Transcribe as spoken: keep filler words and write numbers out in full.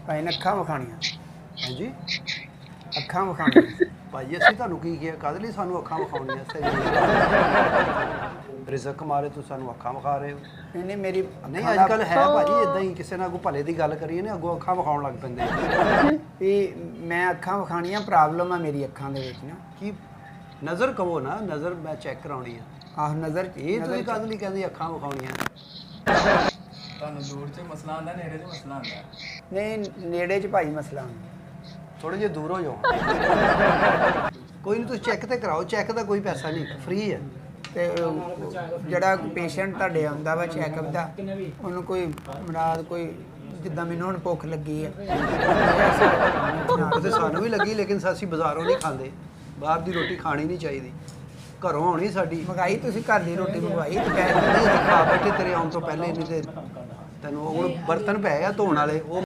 ਭਾਈ ਨੇ ਅੱਖਾਂ ਵਿਖਾਣੀਆਂ। ਹਾਂਜੀ ਅੱਖਾਂ ਵਿਖਾਣੀਆਂ। ਭਾਈ ਅਸੀਂ ਤੁਹਾਨੂੰ ਕੀ ਕਿਹਾ ਕਾਹਦੇ ਲਈ ਸਾਨੂੰ ਅੱਖਾਂ ਵਿਖਾਉਣੀਆਂ ਸਹੀ ਰਿਜ਼ਕ ਮਾਰੇ ਤੁਸੀਂ ਸਾਨੂੰ ਅੱਖਾਂ ਵਿਖਾ ਰਹੇ ਹੋ ਨਹੀਂ ਨਹੀਂ ਮੇਰੀ ਨਹੀਂ ਅੱਜ ਕੱਲ੍ਹ ਹੈ ਭਾਜੀ ਇਦਾਂ ਹੀ ਕਿਸੇ ਨਾਲ ਕੋਈ ਭਲੇ ਦੀ ਗੱਲ ਕਰੀਏ ਨਾ ਅੱਗੋਂ ਅੱਖਾਂ ਵਿਖਾਉਣ ਲੱਗ ਪੈਂਦੇ ਵੀ ਮੈਂ ਅੱਖਾਂ ਵਿਖਾਣੀਆਂ ਪ੍ਰੋਬਲਮ ਆ ਮੇਰੀ ਅੱਖਾਂ ਦੇ ਵਿੱਚ ਨਾ। ਕੀ ਨਜ਼ਰ ਕਹੋ ਨਾ ਨਜ਼ਰ ਮੈਂ ਚੈੱਕ ਕਰਾਉਣੀ ਆ ਆਹ ਨਜ਼ਰ ਇਹ ਤੁਸੀਂ ਕਾਹਦੇ ਲਈ ਕਹਿੰਦੇ ਅੱਖਾਂ ਵਿਖਾਉਣੀਆਂ ਤੁਹਾਨੂੰ ਦੂਰ 'ਚ ਮਸਲਾ ਆਉਂਦਾ ਨੇੜੇ 'ਚ ਮਸਲਾ ਆਉਂਦਾ ਨਹੀਂ ਨੇੜੇ 'ਚ ਭਾਈ ਮਸਲਾ ਹੁੰਦਾ। ਥੋੜੇ ਜਿਹਾ ਦੂਰ ਹੋ ਜਾਓ ਕੋਈ ਨਹੀਂ ਤੁਸੀਂ ਚੈੱਕ ਤੇ ਕਰਾਓ ਚੈੱਕ ਦਾ ਕੋਈ ਪੈਸਾ ਨਹੀਂ ਫ੍ਰੀ ਹੈ ਤੇ ਜਿਹੜਾ ਪੇਸ਼ੈਂਟ ਤੁਹਾਡੇ ਆਉਂਦਾ ਵਾ ਚੈੱਕਅਪ ਦਾ ਉਹਨੂੰ ਕੋਈ ਮਰਾਦ ਕੋਈ ਜਿੱਦਾਂ ਮੈਨੂੰ ਹੁਣ ਭੁੱਖ ਲੱਗੀ ਹੈ ਤੇ ਸਾਨੂੰ ਵੀ ਲੱਗੀ ਲੇਕਿਨ ਅਸੀਂ ਬਾਜ਼ਾਰੋਂ ਨਹੀਂ ਖਾਂਦੇ ਬਾਹਰ ਦੀ ਰੋਟੀ ਖਾਣੀ ਨਹੀਂ ਚਾਹੀਦੀ ਘਰੋਂ ਆਉਣੀ ਸਾਡੀ ਮੰਗਾਈ ਤੁਸੀਂ ਘਰ ਦੀ ਰੋਟੀ ਮੰਗਵਾਈ ਤੇ ਨਹੀਂ ਅਸੀਂ ਖਾ ਬੈਠੇ ਤੇਰੇ ਆਉਣ ਤੋਂ ਪਹਿਲੇ ਨਹੀਂ ਤੇ ਤੈਨੂੰ ਹੁਣ ਬਰਤਨ ਪਏ ਆ ਧੋਣ ਵਾਲੇ ਉਹ